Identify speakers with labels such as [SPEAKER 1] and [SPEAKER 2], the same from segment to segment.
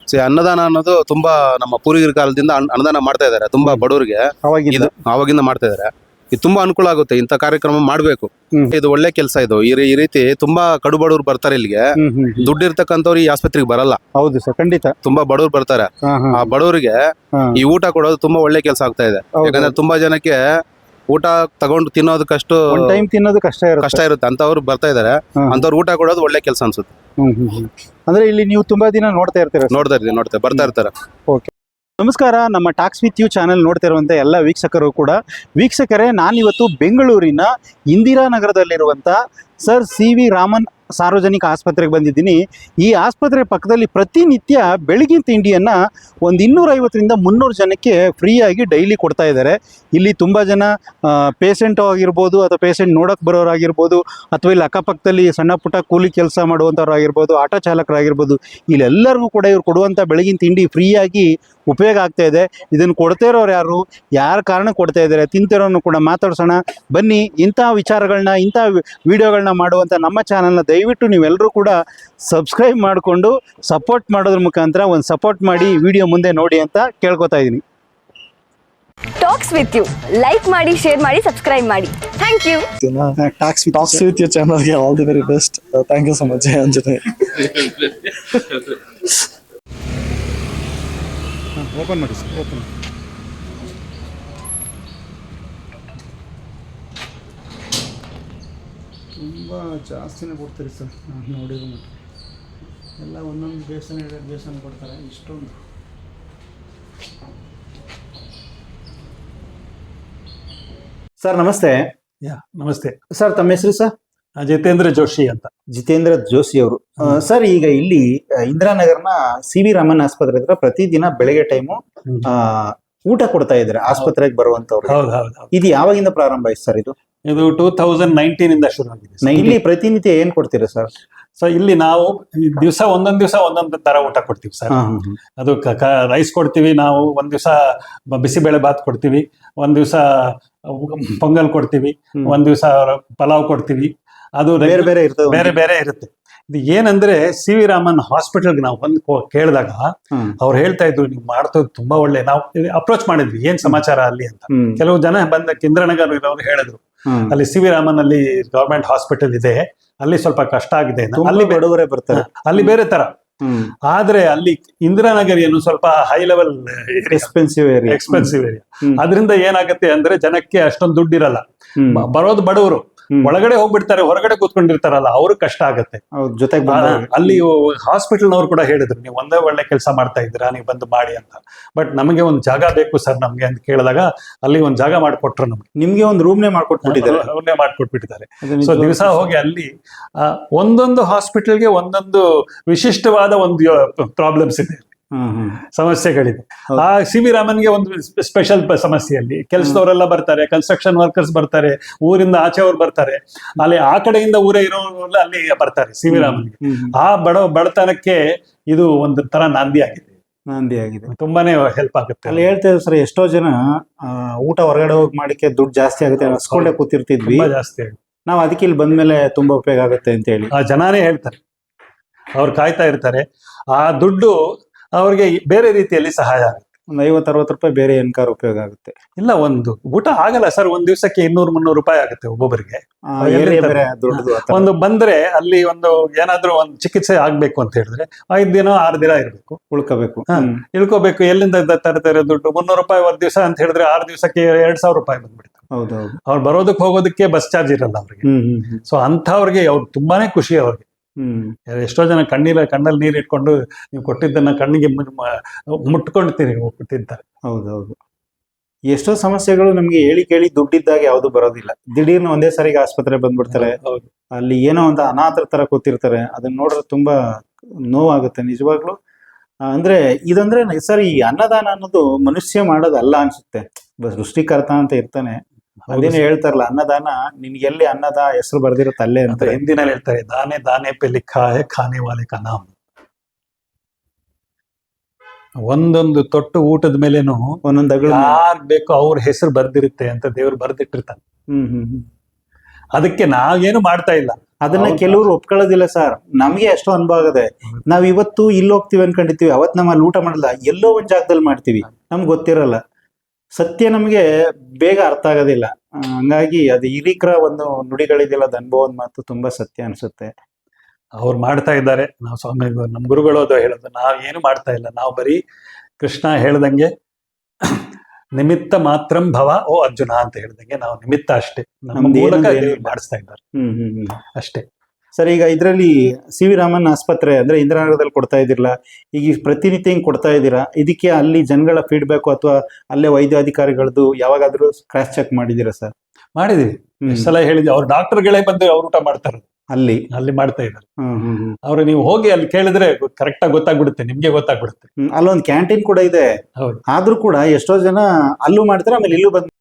[SPEAKER 1] ಅನ್ನದಾನ ಅನ್ನೋದು ತುಂಬಾ ನಮ್ಮ ಪೂರ್ವಿಕರ ಕಾಲದಿಂದ ಅನ್ನದಾನ ಮಾಡ್ತಾ ಇದ್ದಾರೆ ತುಂಬಾ ಬಡವರಿಗೆ. ಆವಾಗಿಂದ ಮಾಡ್ತಾ ಇದ್ದಾರೆ. ಇದು ತುಂಬಾ ಅನುಕೂಲ ಆಗುತ್ತೆ. ಇಂಥ ಕಾರ್ಯಕ್ರಮ ಮಾಡ್ಬೇಕು. ಇದು ಒಳ್ಳೆ ಕೆಲಸ. ಇದು ಈ ರೀತಿ ತುಂಬಾ ಕಡು ಬಡವರು ಬರ್ತಾರೆ ಇಲ್ಲಿಗೆ. ದುಡ್ಡು ಇರ್ತಕ್ಕಂಥವ್ರು ಈ ಆಸ್ಪತ್ರೆಗೆ ಬರಲ್ಲ.
[SPEAKER 2] ಹೌದು ಸರ್, ಖಂಡಿತ.
[SPEAKER 1] ತುಂಬಾ ಬಡವರು ಬರ್ತಾರೆ. ಆ ಬಡವರಿಗೆ ಈ ಊಟ ಕೊಡೋದು ತುಂಬಾ ಒಳ್ಳೆ ಕೆಲಸ ಆಗ್ತಾ ಇದೆ. ಯಾಕಂದ್ರೆ ತುಂಬಾ ಜನಕ್ಕೆ ಊಟ ತಗೊಂಡು ತಿನ್ನೋದಕ್ಕಷ್ಟು
[SPEAKER 2] ಟೈಮ್ ತಿನ್ನೋದು ಕಷ್ಟ
[SPEAKER 1] ಇರುತ್ತೆ. ಅಂತವ್ರು ಬರ್ತಾ ಇದಾರೆ. ಅಂತವ್ರು ಊಟ ಕೊಡೋದು ಒಳ್ಳೆ ಕೆಲಸ ಅನ್ಸುತ್ತೆ.
[SPEAKER 2] ಅಂದ್ರೆ ಇಲ್ಲಿ ನೀವು ತುಂಬಾ ದಿನ ನೋಡ್ತಾ ಇರ್ತೀರಾ?
[SPEAKER 1] ಬರ್ತಾ ಇರ್ತಾರೆ.
[SPEAKER 2] ಓಕೆ, ನಮಸ್ಕಾರ. ನಮ್ಮ ಟಾಕ್ಸ್ ವಿತ್ ಯು ಚಾನೆಲ್ ನೋಡ್ತಾ ಇರುವಂಥ ಎಲ್ಲ ವೀಕ್ಷಕರು ಕೂಡ. ವೀಕ್ಷಕರೇ, ನಾನಿವತ್ತು ಬೆಂಗಳೂರಿನ ಇಂದಿರಾನಗರದಲ್ಲಿರುವಂಥ ಸರ್ CV ರಾಮನ್ ಸಾರ್ವಜನಿಕ ಆಸ್ಪತ್ರೆಗೆ ಬಂದಿದ್ದೀನಿ. ಈ ಆಸ್ಪತ್ರೆ ಪಕ್ಕದಲ್ಲಿ ಪ್ರತಿನಿತ್ಯ ಬೆಳಗಿನ ತಿಂಡಿಯನ್ನು ಒಂದು 250ರಿಂದ 300 ಜನಕ್ಕೆ ಫ್ರೀಯಾಗಿ ಡೈಲಿ ಕೊಡ್ತಾ ಇದ್ದಾರೆ. ಇಲ್ಲಿ ತುಂಬ ಜನ ಪೇಷೆಂಟ್ ಆಗಿರ್ಬೋದು, ಅಥವಾ ಪೇಷೆಂಟ್ ನೋಡೋಕೆ ಬರೋರಾಗಿರ್ಬೋದು, ಅಥವಾ ಇಲ್ಲಿ ಅಕ್ಕಪಕ್ಕದಲ್ಲಿ ಸಣ್ಣ ಪುಟ್ಟ ಕೂಲಿ ಕೆಲಸ ಮಾಡುವಂಥವ್ರು ಆಗಿರ್ಬೋದು, ಆಟೋ ಚಾಲಕರಾಗಿರ್ಬೋದು, ಇಲ್ಲೆಲ್ಲರಿಗೂ ಕೂಡ ಇವ್ರು ಕೊಡುವಂಥ ಬೆಳಗಿನ ತಿಂಡಿ ಫ್ರೀಯಾಗಿ ಉಪಯೋಗ ಆಗ್ತಾ ಇದೆ. ಇದನ್ನು ಕೊಡ್ತಾ ಇರೋರು ಯಾರ ಕಾರಣಕ್ಕೆ ಕೊಡ್ತಾ ಇದ್ದಾರೆ, ತಿಂತಿರೋನು ಕೂಡ ಮಾತಾಡ್ಸೋಣ ಬನ್ನಿ. ಇಂಥ ವಿಚಾರಗಳನ್ನ, ಇಂಥ ವಿಡಿಯೋಗಳನ್ನ ಮಾಡುವಂಥ ನಮ್ಮ ಚಾನಲ್ನ ದಯವಿಟ್ಟು ನೀವೆಲ್ಲರೂ ಕೂಡ ಸಬ್ಸ್ಕ್ರೈಬ್ ಮಾಡಿಕೊಂಡು ಸಪೋರ್ಟ್ ಮಾಡೋದ್ರ ಮುಖಾಂತರ ಒಂದು ಸಪೋರ್ಟ್ ಮಾಡಿ ವಿಡಿಯೋ ಮುಂದೆ ನೋಡಿ ಅಂತ ಕೇಳ್ಕೊತಾ ಇದ್ದೀನಿ.
[SPEAKER 3] ಟಾಕ್ಸ್ ವಿತ್ ಯು ಲೈಕ್ ಮಾಡಿ, ಶೇರ್ ಮಾಡಿ, ಸಬ್ಸ್ಕ್ರೈಬ್ ಮಾಡಿ. Thank you.
[SPEAKER 4] Talks With You ಚಾನಲ್ಗೆ all the very best. Thank you so much Anjane.
[SPEAKER 2] Open ಮಾಡಿ ಸರ್, ಓಪನ್. ತುಂಬ ಜಾಸ್ತಿನೇ ಕೊಡ್ತೀರಿ ಸರ್. ನಾನು ನೋಡಿರೋ ಮಟ್ಟ ಎಲ್ಲ ಒಂದೊಂದು ಬೇಸನ್ ಕೊಡ್ತಾರೆ. ಇಷ್ಟೊಂದು ಸರ್ ನಮಸ್ತೆ.
[SPEAKER 5] ನಮಸ್ತೆ
[SPEAKER 2] ಸರ್, ತಮ್ಮ ಹೆಸರು ಸರ್?
[SPEAKER 5] ಜಿತೇಂದ್ರ ಜೋಶಿ ಅಂತ.
[SPEAKER 2] ಜಿತೇಂದ್ರ ಜೋಶಿ ಅವರು. ಸರ್, ಈಗ ಇಲ್ಲಿ ಇಂದಿರಾನಗರ್ನ CV ರಾಮನ್ ಆಸ್ಪತ್ರೆ ಹತ್ರ ಪ್ರತಿದಿನ ಬೆಳಗ್ಗೆ ಟೈಮು ಊಟ ಕೊಡ್ತಾ ಇದ್ದಾರೆ ಆಸ್ಪತ್ರೆಗೆ ಬರುವಂತವ್ರು. ಇದು ಯಾವಾಗಿಂದ ಪ್ರಾರಂಭ ಆಯ್ತು ಸರ್? ಇದು
[SPEAKER 5] 2019 ಇಂದ ಶುರು ಆಗಿದೆ.
[SPEAKER 2] ಇಲ್ಲಿ ಪ್ರತಿನಿತ್ಯ ಏನ್ ಕೊಡ್ತೀರಾ ಸರ್?
[SPEAKER 5] ಸೊ ಇಲ್ಲಿ ನಾವು ಒಂದೊಂದ್ ದಿವಸ ಒಂದೊಂದು ತರ ಊಟ ಕೊಡ್ತೀವಿ ಸರ್. ಅದು ರೈಸ್ ಕೊಡ್ತೀವಿ ನಾವು, ಒಂದ್ ದಿವಸ ಬಿಸಿಬೇಳೆ ಬಾತ್ ಕೊಡ್ತೀವಿ, ಒಂದ್ ದಿವಸ ಪೊಂಗಲ್ ಕೊಡ್ತೀವಿ, ಒಂದ್ ದಿವಸ ಪಲಾವ್ ಕೊಡ್ತೀವಿ. ಅದು ಬೇರೆ ಬೇರೆ ಇರುತ್ತೆ. ಇದು ಏನಂದ್ರೆ CV ರಾಮನ್ ಹಾಸ್ಪಿಟಲ್ಗೆ ನಾವು ಬಂದು ಕೇಳಿದಾಗ ಅವ್ರು ಹೇಳ್ತಾ ಇದ್ರು, ನೀವು ಮಾಡ್ತೋದು ತುಂಬಾ ಒಳ್ಳೆ. ನಾವು ಅಪ್ರೋಚ್ ಮಾಡಿದ್ವಿ, ಏನ್ ಸಮಾಚಾರ ಅಲ್ಲಿ ಅಂತ. ಕೆಲವು ಜನ ಬಂದ ಇಂದ್ರನಗರ್ ಇರೋರು ಹೇಳಿದ್ರು, ಅಲ್ಲಿ CV ರಾಮನ್ ಅಲ್ಲಿ ಗವರ್ಮೆಂಟ್ ಹಾಸ್ಪಿಟಲ್ ಇದೆ, ಅಲ್ಲಿ ಸ್ವಲ್ಪ ಕಷ್ಟ ಆಗಿದೆ, ಅಲ್ಲಿ ಬಡವರೇ ಬರ್ತಾರೆ, ಅಲ್ಲಿ ಬೇರೆ ತರ. ಆದ್ರೆ ಅಲ್ಲಿ ಇಂದಿರಾನಗರ್ ಏನು ಸ್ವಲ್ಪ ಹೈ ಲೆವೆಲ್ ಎಕ್ಸ್ಪೆನ್ಸಿವ್ ಏರಿಯಾ. ಅದರಿಂದ ಏನಾಗುತ್ತೆ ಅಂದ್ರೆ ಜನಕ್ಕೆ ಅಷ್ಟೊಂದು ದುಡ್ಡಿರಲ್ಲ, ಬರೋದು ಬಡವರು. ಒಳಗಡೆ ಹೋಗ್ಬಿಡ್ತಾರೆ, ಹೊರಗಡೆ ಕೂತ್ಕೊಂಡಿರ್ತಾರಲ್ಲ, ಅವ್ರು ಕಷ್ಟ ಆಗತ್ತೆ.
[SPEAKER 2] ಜೊತೆಗೆ
[SPEAKER 5] ಅಲ್ಲಿ ಹಾಸ್ಪಿಟಲ್ನವ್ರು ಕೂಡ ಹೇಳಿದ್ರು, ನೀವು ಒಂದೇ ಒಳ್ಳೆ ಕೆಲಸ ಮಾಡ್ತಾ ಇದ್ದೀರಾ, ನೀವು ಬಂದು ಮಾಡಿ ಅಂತ. ಬಟ್ ನಮಗೆ ಒಂದು ಜಾಗ ಬೇಕು ಸರ್ ನಮ್ಗೆ ಅಂತ ಕೇಳಿದಾಗ ಅಲ್ಲಿ ಒಂದು ಜಾಗ ಮಾಡ್ಕೊಟ್ರು.
[SPEAKER 2] ನಿಮ್ಗೆ ಒಂದು ರೂಮ್ನೇ
[SPEAKER 5] ಮಾಡ್ಕೊಟ್ಬಿಟ್ಟಿದ್ದಾರೆ. ಸೊ ದಿವಸ ಹೋಗಿ ಅಲ್ಲಿ ಒಂದೊಂದು ಹಾಸ್ಪಿಟಲ್ಗೆ ಒಂದೊಂದು ವಿಶಿಷ್ಟವಾದ ಒಂದು ಪ್ರಾಬ್ಲಮ್ಸ್ ಇದೆ, ಸಮಸ್ಯೆಗಳಿದೆ. ಆ CV ರಾಮನ್ಗೆ ಒಂದು ಸ್ಪೆಷಲ್ ಸಮಸ್ಯೆಯಲ್ಲಿ ಕೆಲಸದವರೆಲ್ಲ ಬರ್ತಾರೆ, ಕನ್ಸ್ಟ್ರಕ್ಷನ್ ವರ್ಕರ್ಸ್ ಬರ್ತಾರೆ, ಊರಿಂದ ಆಚೆ ಅವ್ರು ಬರ್ತಾರೆ, ಅಲ್ಲಿ ಆ ಕಡೆಯಿಂದ ಊರೇ ಇರೋರೆಲ್ಲ ಅಲ್ಲಿ ಬರ್ತಾರೆ CV ರಾಮನ್ಗೆ. ಆ ಬಡತನಕ್ಕೆ ಇದು ಒಂದು ತರ ನಾಂದಿ ಆಗಿದೆ. ತುಂಬಾನೇ ಹೆಲ್ಪ್ ಆಗುತ್ತೆ.
[SPEAKER 2] ಅಲ್ಲಿ ಹೇಳ್ತಾ ಸರ್, ಎಷ್ಟೋ ಜನ ಊಟ ಹೊರಗಡೆ ಹೋಗಿ ಮಾಡಿಕೆ ದುಡ್ಡು ಜಾಸ್ತಿ ಆಗುತ್ತೆ ಅನ್ಸ್ಕೊಂಡೆ ಕೂತಿರ್ತಿದ್ವಿ.
[SPEAKER 5] ಜಾಸ್ತಿ
[SPEAKER 2] ನಾವು ಅದಕ್ಕೆ ಇಲ್ಲಿ ಬಂದ್ಮೇಲೆ ತುಂಬಾ ಉಪಯೋಗ ಆಗುತ್ತೆ ಅಂತ ಹೇಳಿ
[SPEAKER 5] ಆ ಜನಾನೇ ಹೇಳ್ತಾರೆ. ಅವ್ರು ಕಾಯ್ತಾ ಇರ್ತಾರೆ. ಆ ದುಡ್ಡು ಅವ್ರಿಗೆ ಬೇರೆ ರೀತಿಯಲ್ಲಿ ಸಹಾಯ ಆಗುತ್ತೆ.
[SPEAKER 2] ಒಂದು 50-60 ರೂಪಾಯಿ ಬೇರೆ ಏನ್ಕಾರ ಉಪಯೋಗ ಆಗುತ್ತೆ.
[SPEAKER 5] ಇಲ್ಲ, ಒಂದು ಊಟ ಆಗಲ್ಲ ಸರ್, ಒಂದ್ ದಿವಸಕ್ಕೆ 200-300 ರೂಪಾಯಿ ಆಗುತ್ತೆ ಒಬ್ಬೊಬ್ಬರಿಗೆ. ಒಂದು ಬಂದ್ರೆ ಅಲ್ಲಿ ಒಂದು ಏನಾದ್ರೂ ಒಂದು ಚಿಕಿತ್ಸೆ ಆಗ್ಬೇಕು ಅಂತ ಹೇಳಿದ್ರೆ 5 ದಿನ 6 ದಿನ ಇರ್ಬೇಕು, ಇಳ್ಕೋಬೇಕು. ಎಲ್ಲಿಂದ ತರ್ತಾರೆ ದುಡ್ಡು? 300 ರೂಪಾಯಿ ಒಂದ್ ದಿವಸ ಅಂತ ಹೇಳಿದ್ರೆ 6 ದಿವಸಕ್ಕೆ 2000 ರೂಪಾಯಿ ಬಂದ್ಬಿಡ್ತಾರೆ. ಅವ್ರು ಬರೋದಕ್ಕೆ ಹೋಗೋದಕ್ಕೆ ಬಸ್ ಚಾರ್ಜ್ ಇರಲ್ಲ ಅವ್ರಿಗೆ. ಸೊ ಅಂಥವ್ರಿಗೆ ಅವ್ರು ತುಂಬಾನೇ ಖುಷಿ ಅವ್ರಿಗೆ. ಎಷ್ಟೋ ಜನ ಕಣ್ಣಲ್ಲಿ ನೀರು ಇಟ್ಕೊಂಡು ನೀವು ಕೊಟ್ಟಿದ್ದನ್ನ ಕಣ್ಣಿಗೆ ಮುಟ್ಕೊಂಡು ತಿಂತಾರೆ.
[SPEAKER 2] ಹೌದೌದು. ಎಷ್ಟೋ ಸಮಸ್ಯೆಗಳು ನಮ್ಗೆ ಹೇಳಿ ಕೇಳಿ ದುಡ್ಡಿದ್ದಾಗ ಯಾವ್ದು ಬರೋದಿಲ್ಲ. ದಿಢೀರ್ನ ಒಂದೇ ಸಾರಿಗೆ ಆಸ್ಪತ್ರೆ ಬಂದ್ಬಿಡ್ತಾರೆ. ಅಲ್ಲಿ ಏನೋ ಒಂದು ಅನಾಥರ ತರ ಕೂತಿರ್ತಾರೆ. ಅದನ್ನ ನೋಡಿದ್ರೆ ತುಂಬಾ ನೋವಾಗುತ್ತೆ ನಿಜವಾಗ್ಲು. ಅಂದ್ರೆ ಇದಂದ್ರೆ ಸರ್, ಈ ಅನ್ನದಾನ ಅನ್ನೋದು ಮನುಷ್ಯ ಮಾಡೋದಲ್ಲ ಅನ್ಸುತ್ತೆ. ಸೃಷ್ಟಿಕರ್ತ ಅಂತ ಇರ್ತಾನೆ. ಅದೇನು ಹೇಳ್ತಾರಲ್ಲ, ಅನ್ನದಾನ ನಿನ್ಗೆ ಎಲ್ಲಿ ಅನ್ನದ ಹೆಸರು ಬರ್ದಿರುತ್ತೆ ಅಲ್ಲೇ ಅಂತ
[SPEAKER 5] ಹಿಂದಿನಲ್ಲಿ ಹೇಳ್ತಾರೆ, ದಾನೆ ದಾನೆ ಪೆ ಲಿಖಾ ಹೈ ಖಾನೆ ವಾಲೆ ಕಾ ನಾಮ್. ಒಂದೊಂದು ತೊಟ್ಟು ಊಟದ ಮೇಲೇನು
[SPEAKER 2] ಒಂದೊಂದು
[SPEAKER 5] ಯಾರ್ ಬೇಕೋ ಅವ್ರ ಹೆಸರು ಬರ್ದಿರುತ್ತೆ ಅಂತ ದೇವ್ರು ಬರ್ದಿಟ್ಟಿರ್ತಾನೆ. ಅದಕ್ಕೆ ನಾವೇನು ಮಾಡ್ತಾ ಇಲ್ಲ,
[SPEAKER 2] ಅದನ್ನ
[SPEAKER 5] ಹೌದು.
[SPEAKER 2] ಕೆಲವರು ಒಪ್ಕೊಳ್ಳೋದಿಲ್ಲ ಸರ್. ನಮ್ಗೆ ಅಷ್ಟು ಅನುಭವ ಆಗದೆ. ನಾವ್ ಇವತ್ತು ಇಲ್ಲಿ ಹೋಗ್ತೀವಿ ಅನ್ಕೊಂಡಿರ್ತೀವಿ, ಅವತ್ ನಮ್ಮ ಅಲ್ಲಿ ಊಟ ಮಾಡಲ್ಲ, ಎಲ್ಲೋ ಒಂದ್ ಜಾಗದಲ್ಲಿ ಮಾಡ್ತೀವಿ, ನಮ್ಗೆ ಗೊತ್ತಿರಲ್ಲ. ಸತ್ಯ ನಮ್ಗೆ ಬೇಗ ಅರ್ಥ ಆಗೋದಿಲ್ಲ. ಹಂಗಾಗಿ ಅದು ಹಿರೀಕರ ಒಂದು ನುಡಿಗಳಿದೆಯಲ್ಲ, ಅದು ಅನುಭವದ ಮಾತು ತುಂಬಾ ಸತ್ಯ ಅನ್ಸುತ್ತೆ.
[SPEAKER 5] ಅವ್ರು ಮಾಡ್ತಾ ಇದ್ದಾರೆ. ನಾವು ಸ್ವಾಮಿ ನಮ್ಮ ಗುರುಗಳು ಅದು ಹೇಳೋದು, ನಾವು ಏನು ಮಾಡ್ತಾ ಇಲ್ಲ, ನಾವು ಬರೀ ಕೃಷ್ಣ ಹೇಳ್ದಂಗೆ ನಿಮಿತ್ತ ಮಾತ್ರಂ ಭವ ಓ ಅರ್ಜುನ ಅಂತ ಹೇಳ್ದಂಗೆ ನಾವು ನಿಮಿತ್ತ ಅಷ್ಟೇ. ನಮ್ಮ
[SPEAKER 2] ನಮ್ದು
[SPEAKER 5] ಮೂಲಕ
[SPEAKER 2] ಏನಂದ್ರೆ
[SPEAKER 5] ದೇವ್ರು
[SPEAKER 2] ಏನಿಲ್ಲ.
[SPEAKER 5] ಮಾಡಿಸ್ತಾ ಇದ್ದಾರೆ ಅಷ್ಟೇ.
[SPEAKER 2] ಸರ್, ಈಗ ಇದರಲ್ಲಿ ಸಿ ವಿ ರಾಮನ್ ಆಸ್ಪತ್ರೆ ಅಂದ್ರೆ ಇಂದಿರಾನಗರದಲ್ಲಿ ಕೊಡ್ತಾ ಇದಿರಲ್ಲ, ಈಗ ಈ ಪ್ರತಿನಿತ್ಯ ಹಿಂಗ್ ಕೊಡ್ತಾ ಇದ್ದೀರಾ, ಇದಕ್ಕೆ ಅಲ್ಲಿ ಜನಗಳ ಫೀಡ್ಬ್ಯಾಕ್ ಅಥವಾ ಅಲ್ಲೇ ವೈದ್ಯಾಧಿಕಾರಿಗಳದ್ದು ಯಾವಾಗಾದ್ರೂ ಕ್ರಾಸ್ ಚೆಕ್ ಮಾಡಿದೀರಾ ಸರ್?
[SPEAKER 5] ಮಾಡಿದೀವಿ, ಎಷ್ಟ್ ಸಲ ಹೇಳಿದ್ವಿ. ಅವ್ರ ಡಾಕ್ಟರ್ಗಳೇ ಬಂದು ಅವ್ರು ಊಟ ಮಾಡ್ತಾರೆ, ಅಲ್ಲಿ ಮಾಡ್ತಾ ಇದ್ದಾರೆ. ಅವ್ರು ನೀವು ಹೋಗಿ ಅಲ್ಲಿ ಕೇಳಿದ್ರೆ ಕರೆಕ್ಟ್ ಆಗಿ ಗೊತ್ತಾಗ್ಬಿಡುತ್ತೆ, ನಿಮ್ಗೆ ಗೊತ್ತಾಗ್ಬಿಡುತ್ತೆ.
[SPEAKER 2] ಅಲ್ಲೊಂದು ಕ್ಯಾಂಟೀನ್ ಕೂಡ ಇದೆ.
[SPEAKER 5] ಹೌದು.
[SPEAKER 2] ಆದ್ರೂ ಕೂಡ ಎಷ್ಟೋ ಜನ ಅಲ್ಲೂ ಮಾಡ್ತಾರೆ, ಆಮೇಲೆ ಇಲ್ಲೂ ಬಂದು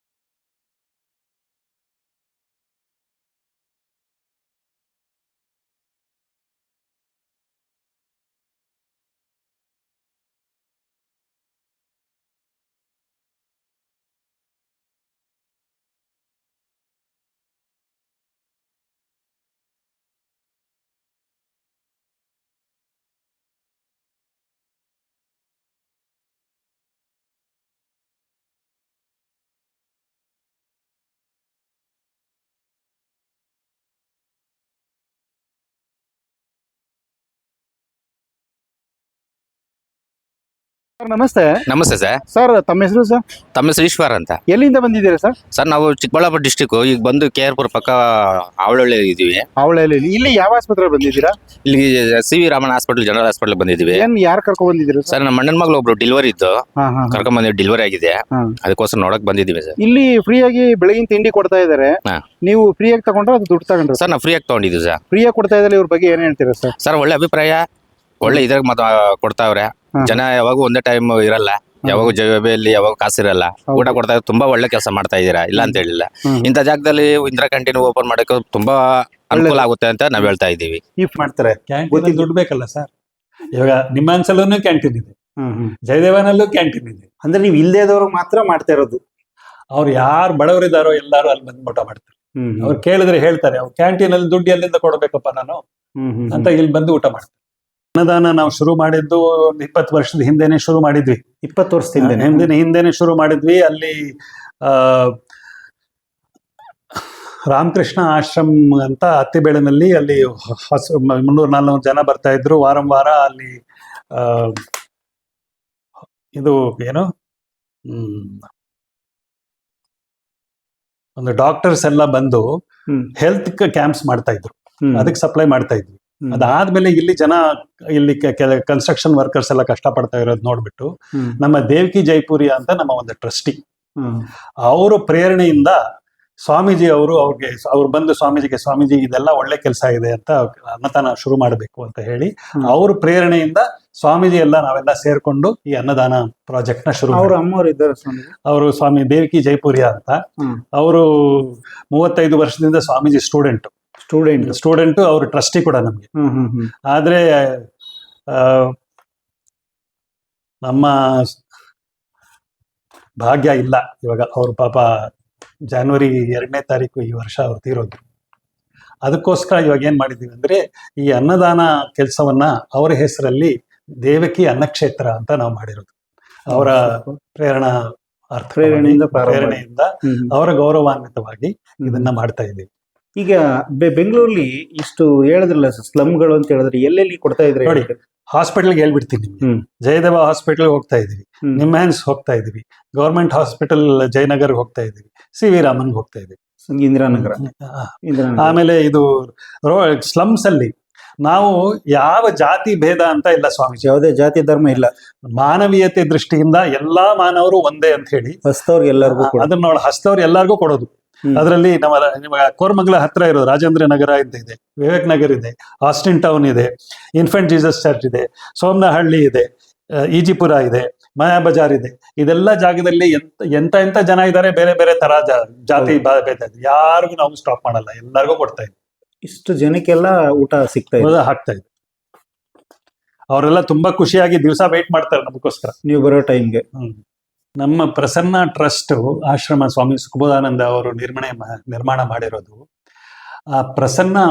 [SPEAKER 2] ನಮಸ್ತೆ.
[SPEAKER 6] ನಮಸ್ತೆ ಸರ್.
[SPEAKER 2] ಸರ್, ತಮ್ಮ ಹೆಸರು ಸರ್?
[SPEAKER 6] ತಮ್ಮ ಹೆಸರು ಈಶ್ವರ್ ಅಂತ.
[SPEAKER 2] ಎಲ್ಲಿಂದ ಬಂದಿದ್ದೀರಾ ಸರ್?
[SPEAKER 6] ಸರ್, ನಾವು ಚಿಕ್ಕಬಳ್ಳಾಪುರ ಡಿಸ್ಟಿಕ್, ಈಗ ಬಂದು KR ಪಕ್ಕ ಅವಳಹಳ್ಳಿ ಇದೀವಿ.
[SPEAKER 2] ಅವಳಲ್ಲಿ ಇಲ್ಲಿ ಯಾವ ಆಸ್ಪತ್ರೆ ಬಂದಿದ್ದೀರಾ?
[SPEAKER 6] ಇಲ್ಲಿ CV Raman hospital, general hospital ಬಂದಿದ್ದೀವಿ.
[SPEAKER 2] ಏನ್ ಯಾರು ಕರ್ಕೊಂಡ್ ಬಂದಿದ್ದೀರಾ
[SPEAKER 6] ಸರ್, ನಮ್ಮ ಅಣ್ಣನ ಮಗಳು ಒಬ್ರು ಡೆಲಿವರಿ ಇದ್ದು ಕರ್ಕೊಂಡ್ ಬಂದಿವಿ, ಡೆಲಿವರಿ ಆಗಿದೆ, ಅದಕ್ಕೋಸ್ಕರ ನೋಡಕ್ ಬಂದಿದ್ದೀವಿ ಸರ್.
[SPEAKER 2] ಇಲ್ಲಿ ಫ್ರೀಯಾಗಿ ಬೆಳಗಿನ ತಿಂಡಿ ಕೊಡ್ತಾ ಇದಾರೆ,
[SPEAKER 6] ಹಾ.
[SPEAKER 2] ನೀವು ಫ್ರೀಯಾಗಿ ತಗೊಂಡ್ರೆ ಅದು ದುಡ್ಡು ತಗೊಂಡ್ರೆ?
[SPEAKER 6] ಸರ್, ನಾವು ಫ್ರೀಯಾಗಿ ತಗೊಂಡಿದ್ದೀವಿ ಸರ್.
[SPEAKER 2] ಫ್ರೀಯಾಗಿ ಕೊಡ್ತಾ ಇದ್ದಾರೆ, ಇವ್ರ ಬಗ್ಗೆ ಏನ್ ಹೇಳ್ತೀರಾ ಸರ್?
[SPEAKER 6] ಸರ್, ಒಳ್ಳೆ ಅಭಿಪ್ರಾಯ, ಒಳ್ಳೆ ಇದ್ರಾಗ ಕೊಡ್ತಾವ್ರೆ. ಜನ ಯಾವಾಗೂ ಒಂದೇ ಟೈಮ್ ಇರಲ್ಲ, ಯಾವಾಗ ಜವಾಬಿಯಲ್ಲಿ ಯಾವಾಗ ಕಾಸಿರಲ್ಲ, ಊಟ ಕೊಡ್ತಾ ಇದ್ದಾರೆ. ತುಂಬಾ ಒಳ್ಳೆ ಕೆಲಸ ಮಾಡ್ತಾ ಇದ್ದೀರಾ, ಇಲ್ಲ ಅಂತ ಹೇಳಿಲ್ಲ. ಇಂಥ ಜಾಗದಲ್ಲಿ ಇಂದಿರಾ ಕ್ಯಾಂಟೀನ್ ಓಪನ್ ಮಾಡಕ್ಕೆ ತುಂಬಾ ಅನುಕೂಲ ಆಗುತ್ತೆ ಅಂತ ನಾವ್ ಹೇಳ್ತಾ ಇದ್ದೀವಿ.
[SPEAKER 2] ಇಫ್ ಮಾಡ್ತಾರೆ
[SPEAKER 5] ಕ್ಯಾಂಟೀನ್ ದುಡ್ಡು ಬೇಕಲ್ಲ ಸರ್. ಇವಾಗ ನಿಮ್ಮಾನ್ಸಲ್ಲೂ ಕ್ಯಾಂಟೀನ್ ಇದೆ, ಜಯದೇವನಲ್ಲೂ ಕ್ಯಾಂಟೀನ್ ಇದೆ.
[SPEAKER 2] ಅಂದ್ರೆ ನೀವು ಇಲ್ದೇದವ್ರು ಮಾತ್ರ ಮಾಡ್ತಾ ಇರೋದು?
[SPEAKER 5] ಅವ್ರು ಯಾರು ಬಡವರಿದ್ದಾರೋ ಎಲ್ಲಾರು ಅಲ್ಲಿ ಬಂದು ಊಟ ಮಾಡ್ತಾರೆ. ಅವ್ರು ಕೇಳಿದ್ರೆ ಹೇಳ್ತಾರೆ, ಅವ್ರು ಕ್ಯಾಂಟೀನ್ ಅಲ್ಲಿ ದುಡ್ಡು ಎಲ್ಲಿಂದ ಕೊಡ್ಬೇಕಪ್ಪ ನಾನು ಅಂತ ಇಲ್ಲಿ ಬಂದು ಊಟ ಮಾಡ್ತಾರೆ. ಅನ್ನದಾನ ನಾವು ಶುರು ಮಾಡಿದ್ದು 20 ವರ್ಷದ ಹಿಂದೆನೆ ಶುರು ಮಾಡಿದ್ವಿ.
[SPEAKER 2] 20 ವರ್ಷದಿಂದ
[SPEAKER 5] ಹಿಂದೆನೆ ಶುರು ಮಾಡಿದ್ವಿ. ಅಲ್ಲಿ ರಾಮಕೃಷ್ಣ ಆಶ್ರಮ್ ಅಂತ ಅತ್ತಿಬೇಳೆನಲ್ಲಿ, ಅಲ್ಲಿ 300-400 ಜನ ಬರ್ತಾ ಇದ್ರು ವಾರ. ಅಲ್ಲಿ ಇದು ಏನು ಒಂದು ಡಾಕ್ಟರ್ಸ್ ಎಲ್ಲ ಬಂದು ಹೆಲ್ತ್ ಕ್ಯಾಂಪ್ಸ್ ಮಾಡ್ತಾ ಇದ್ರು, ಅದಕ್ಕೆ ಸಪ್ಲೈ ಮಾಡ್ತಾ ಇದ್ವಿ. ಅದಾದ್ಮೇಲೆ ಇಲ್ಲಿ ಜನ, ಇಲ್ಲಿ ಕನ್ಸ್ಟ್ರಕ್ಷನ್ ವರ್ಕರ್ಸ್ ಎಲ್ಲ ಕಷ್ಟ ಪಡ್ತಾ ಇರೋದು ನೋಡ್ಬಿಟ್ಟು ನಮ್ಮ ದೇವಕಿ ಜೈಪುರಿ ಅಂತ ನಮ್ಮ ಒಂದು ಟ್ರಸ್ಟಿ, ಅವರು ಪ್ರೇರಣೆಯಿಂದ ಸ್ವಾಮೀಜಿ ಅವ್ರು ಬಂದು ಸ್ವಾಮೀಜಿ ಇದೆಲ್ಲ ಒಳ್ಳೆ ಕೆಲಸ ಇದೆ ಅಂತ ಅನ್ನದಾನ ಶುರು ಮಾಡಬೇಕು ಅಂತ ಹೇಳಿ, ಅವ್ರ ಪ್ರೇರಣೆಯಿಂದ ಸ್ವಾಮೀಜಿ ಎಲ್ಲ ನಾವೆಲ್ಲ ಸೇರ್ಕೊಂಡು ಈ ಅನ್ನದಾನ ಪ್ರಾಜೆಕ್ಟ್ ನ ಶುರು. ಅವರು ಸ್ವಾಮಿ ದೇವಕಿ ಜೈಪುರಿಯ ಅಂತ, ಅವರು 35 ವರ್ಷದಿಂದ ಸ್ವಾಮೀಜಿ ಸ್ಟೂಡೆಂಟ್, ಅವ್ರ ಟ್ರಸ್ಟಿ ಕೂಡ ನಮ್ಗೆ. ಆದ್ರೆ ನಮ್ಮ ಭಾಗ್ಯ ಇಲ್ಲ, ಇವಾಗ ಅವ್ರ ಪಾಪ ಜನವರಿ 2ನೇ ತಾರೀಕು ಈ ವರ್ಷ ಅವ್ರು ತೀರೋದ್ರು. ಅದಕ್ಕೋಸ್ಕರ ಇವಾಗ ಏನ್ ಮಾಡಿದೀವಿ ಅಂದ್ರೆ, ಈ ಅನ್ನದಾನ ಕೆಲಸವನ್ನ ಅವರ ಹೆಸರಲ್ಲಿ ದೇವಕಿ ಅನ್ನಕ್ಷೇತ್ರ ಅಂತ ನಾವು ಮಾಡಿರೋದು. ಅವರ ಪ್ರೇರಣೆಯಿಂದ ಅವರ ಗೌರವಾನ್ವಿತವಾಗಿ ಇದನ್ನ ಮಾಡ್ತಾ ಇದ್ದೀವಿ.
[SPEAKER 2] ಈಗ ಬೆಂಗಳೂರಲ್ಲಿ ಇಷ್ಟು ಹೇಳಿದ್ರಲ್ಲ ಸ್ಲಮ್ಗಳು ಅಂತ ಹೇಳಿದ್ರೆ, ಎಲ್ಲೆಲ್ಲಿ ಕೊಡ್ತಾ ಇದ್ರೆ
[SPEAKER 5] ನೋಡಿ, ಹಾಸ್ಪಿಟಲ್ಗೆ ಹೇಳ್ಬಿಡ್ತೀನಿ ನಿಮ್ಗೆ. ಜಯದೇವ ಹಾಸ್ಪಿಟಲ್ ಹೋಗ್ತಾ ಇದೀವಿ, ನಿಮ್ಯಾನ್ಸ್ ಹೋಗ್ತಾ ಇದೀವಿ, ಗವರ್ಮೆಂಟ್ ಹಾಸ್ಪಿಟಲ್ ಜಯನಗರ್ ಹೋಗ್ತಾ ಇದೀವಿ, CV ರಾಮನ್ ಹೋಗ್ತಾ ಇದೀವಿ,
[SPEAKER 2] ಇಂದಿರಾನಗರ.
[SPEAKER 5] ಆಮೇಲೆ ಇದು ಸ್ಲಮ್ಸ್ ಅಲ್ಲಿ ನಾವು ಯಾವ ಜಾತಿ ಭೇದ ಅಂತ ಇಲ್ಲ ಸ್ವಾಮೀಜಿ,
[SPEAKER 2] ಯಾವುದೇ ಜಾತಿ ಧರ್ಮ ಇಲ್ಲ,
[SPEAKER 5] ಮಾನವೀಯತೆ ದೃಷ್ಟಿಯಿಂದ ಎಲ್ಲಾ ಮಾನವರು ಒಂದೇ ಅಂತ ಹೇಳಿ
[SPEAKER 2] ಹಸ್ತವ್ರಿಗೆ ಎಲ್ಲರಿಗೂ
[SPEAKER 5] ಅದನ್ನ ಹಸ್ತವ್ರು ಎಲ್ಲರಿಗೂ ಕೊಡೋದು. ಅದರಲ್ಲಿ ನಮ್ಮ ಕೋರಮಂಗಲ ಹತ್ರ ಇರೋದು ರಾಜೇಂದ್ರ ನಗರ ಅಂತ ಇದೆ, ವಿವೇಕ್ ನಗರ್ ಇದೆ, ಆಸ್ಟಿನ್ ಟೌನ್ ಇದೆ, ಇನ್ಫೆಂಟ್ ಜೀಸಸ್ ಚರ್ಚ್ ಇದೆ, ಸೋಮನಹಳ್ಳಿ ಇದೆ, ಈಜಿಪುರ ಇದೆ, ಮಾಯಾ ಬಜಾರ್ ಇದೆ. ಇದೆಲ್ಲ ಜಾಗದಲ್ಲಿ ಎಂತ ಜನ ಇದ್ದಾರೆ, ಬೇರೆ ಬೇರೆ ತರ ಜಾತಿ ಭೇದ, ಯಾರಿಗೂ ನಾವು ಸ್ಟಾಪ್ ಮಾಡಲ್ಲ, ಎಲ್ಲರಿಗೂ ಕೊಡ್ತಾ ಇದ್ವಿ.
[SPEAKER 2] ಇಷ್ಟು ಜನಕ್ಕೆಲ್ಲ ಊಟ
[SPEAKER 5] ಹಾಕ್ತಾ ಇದ್ವಿ. ಅವರೆಲ್ಲ ತುಂಬಾ ಖುಷಿಯಾಗಿ ದಿವಸ ವೇಟ್ ಮಾಡ್ತಾರೆ ನಮಗೋಸ್ಕರ,
[SPEAKER 2] ನೀವು ಬರೋ ಟೈಮ್ಗೆ.
[SPEAKER 5] ನಮ್ಮ ಪ್ರಸನ್ನ ಟ್ರಸ್ಟ್ ಆಶ್ರಮ ಸ್ವಾಮಿ ಸುಖಬೋಧಾನಂದ ಅವರು ನಿರ್ಮಾಣ ಮಾಡಿರೋದು. ಆ ಪ್ರಸನ್ನ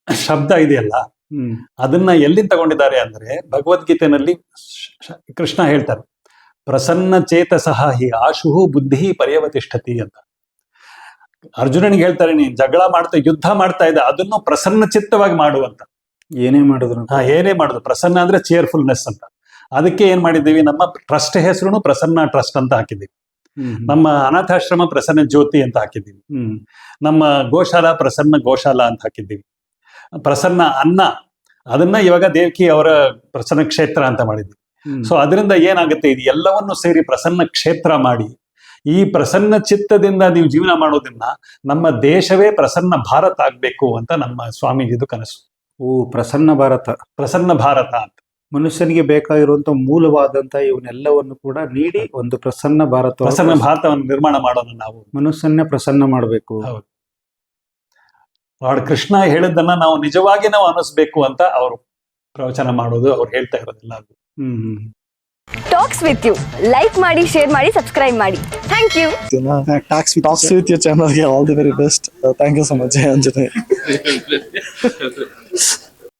[SPEAKER 5] ಶಬ್ದ ಇದೆಯಲ್ಲ ಅದನ್ನ ಎಲ್ಲಿಂದ ತಗೊಂಡಿದ್ದಾರೆ ಅಂದ್ರೆ ಭಗವದ್ಗೀತೆನಲ್ಲಿ ಕೃಷ್ಣ ಹೇಳ್ತಾರೆ, ಪ್ರಸನ್ನ ಚೇತಸಃ ಹಿ ಆಶುಹು ಬುದ್ಧಿ ಪರ್ಯವತಿಷ್ಠತಿ ಅಂತ. ಅರ್ಜುನನಿಗೆ ಹೇಳ್ತಾರೆ, ನೀನ್ ಜಗಳ ಮಾಡ್ತಾ ಯುದ್ಧ ಮಾಡ್ತಾ ಇದ್ದ ಅದನ್ನು ಪ್ರಸನ್ನ ಚಿತ್ತವಾಗಿ ಮಾಡುವಂತ.
[SPEAKER 2] ಏನೇ ಮಾಡಿದ್ರು
[SPEAKER 5] ಏನೇ ಮಾಡುದು, ಪ್ರಸನ್ನ ಅಂದ್ರೆ ಚೇರ್ಫುಲ್ನೆಸ್ ಅಂತ. ಅದಕ್ಕೆ ಏನ್ ಮಾಡಿದ್ದೀವಿ, ನಮ್ಮ ಟ್ರಸ್ಟ್ ಹೆಸರು ಪ್ರಸನ್ನ ಟ್ರಸ್ಟ್ ಅಂತ ಹಾಕಿದ್ದೀವಿ. ನಮ್ಮ ಅನಾಥಾಶ್ರಮ ಪ್ರಸನ್ನ ಜ್ಯೋತಿ ಅಂತ ಹಾಕಿದ್ದೀವಿ. ನಮ್ಮ ಗೋಶಾಲಾ ಪ್ರಸನ್ನ ಗೋಶಾಲಾ ಅಂತ ಹಾಕಿದ್ದೀವಿ. ಪ್ರಸನ್ನ ಅನ್ನ ಅದನ್ನ ಇವಾಗ ದೇವಕಿ ಅವರ ಪ್ರಸನ್ನ ಕ್ಷೇತ್ರ ಅಂತ ಮಾಡಿದ್ವಿ. ಸೊ ಅದರಿಂದ ಏನಾಗುತ್ತೆ, ಇದು ಎಲ್ಲವನ್ನು ಸೇರಿ ಪ್ರಸನ್ನ ಕ್ಷೇತ್ರ ಮಾಡಿ ಈ ಪ್ರಸನ್ನ ಚಿತ್ತದಿಂದ ನೀವು ಜೀವನ ಮಾಡೋದ್ರಿಂದ ನಮ್ಮ ದೇಶವೇ ಪ್ರಸನ್ನ ಭಾರತ ಆಗ್ಬೇಕು ಅಂತ ನಮ್ಮ ಸ್ವಾಮೀಜಿದು ಕನಸು.
[SPEAKER 2] ಪ್ರಸನ್ನ ಭಾರತ.
[SPEAKER 5] ಪ್ರಸನ್ನ ಭಾರತ ಅಂತ
[SPEAKER 2] ಮನುಷ್ಯನಿಗೆ ಬೇಕಾಗಿರುವಂತ ಮೂಲವಾದಂತ ಇವನ್ನೆಲ್ಲವನ್ನು ಕೂಡ ನೀಡಿ ಒಂದು ಪ್ರಸನ್ನ
[SPEAKER 5] ಭಾರತವನ್ನು ನಿರ್ಮಾಣ ಮಾಡೋಣ. ನಾವು
[SPEAKER 2] ಮನುಷ್ಯನ್ನೇ ಪ್ರಸನ್ನ ಮಾಡಬೇಕು.
[SPEAKER 5] ಹೌದು. ಲಾರ್ಡ್ ಕೃಷ್ಣ ಹೇಳಿದ್ದನ್ನ ನಾವು ನಿಜವಾಗಿ ನಾವು ಅನಿಸ್ಬೇಕು ಅಂತ ಅವರು ಪ್ರವಚನ ಮಾಡೋದು, ಅವ್ರು ಹೇಳ್ತಾ ಇರೋದಿಲ್ಲ. ಅದು
[SPEAKER 3] ಟಾಕ್ಸ್ ವಿತ್ ಯು ಲೈಕ್ ಮಾಡಿ, ಶೇರ್ ಮಾಡಿ, ಸಬ್ಸ್ಕ್ರೈಬ್ ಮಾಡಿ. Thank you.
[SPEAKER 4] Talks with your channel. All the very best. Thank you so much, Anjane.